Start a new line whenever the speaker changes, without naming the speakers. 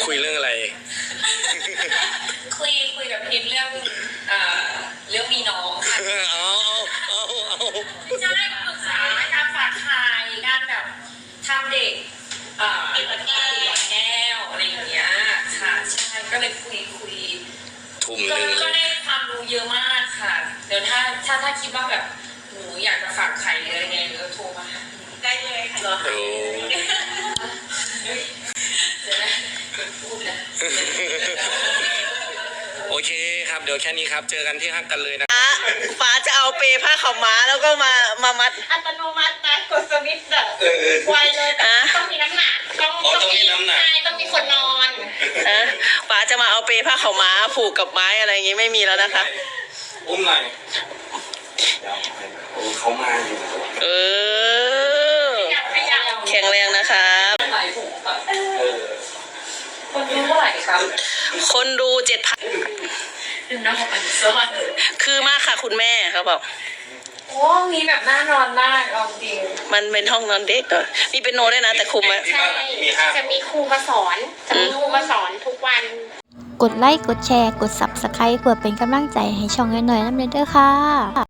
คุยเรื่องอะไร
คุยกับพิมเรื่องมีน้องค่ะ
เอา
ใช่ปรึกษาการฝากไข่การแบบทำเด็กติดแก้วอะไรอย่างเงี้ยค่ะใช่ก็เลยคุย
ทุ่มหนึ่ง
ก็ได้ความรู้เยอะมากค่ะเดี๋ยวถ้าคิดว่าแบบหนูอยากจะฝากไข่เลยไงก็โทรมาได้เลยค่ะ
โอ้โอเคครับเดี๋ยวแค่นี้ครับเจอกันที่ฮักกันเลยนะ
ฟ้าจะเอาเปผ้าขาวม้าแล้วก็มามัด
อัตโนมัตินะกดสวิตช์แบบไวเลยแต่ต้องมีน้ำหนักต้องมีน้ำหนักใช่ต้องมีคนนอน
ฟ้าจะมาเอาเปผ้าขาวม้าผูกกับไม้อะไรอย่างงี้ไม่มีแล้วนะคะ
อุ้มหน่อยเขามาอยู่
แข็งแรงนะครับ
คนดูเท่าไหร่ครับ
คนดู 7,000คือมากค่ะคุณแม่เขาบอก
โอ้มีแบบน่านอนได้ลองจริง
มันเป็นห้องนอนเด็กเหรอมีเป็นโนด้วยนะแต่คุมอะ
ใช่จะมีครูมาสอนทุกวัน
กดไลค์กดแชร์กด Subscribe เพื่อเป็นกำลังใจให้ช่องน้อยๆน้ำเด้อค่ะ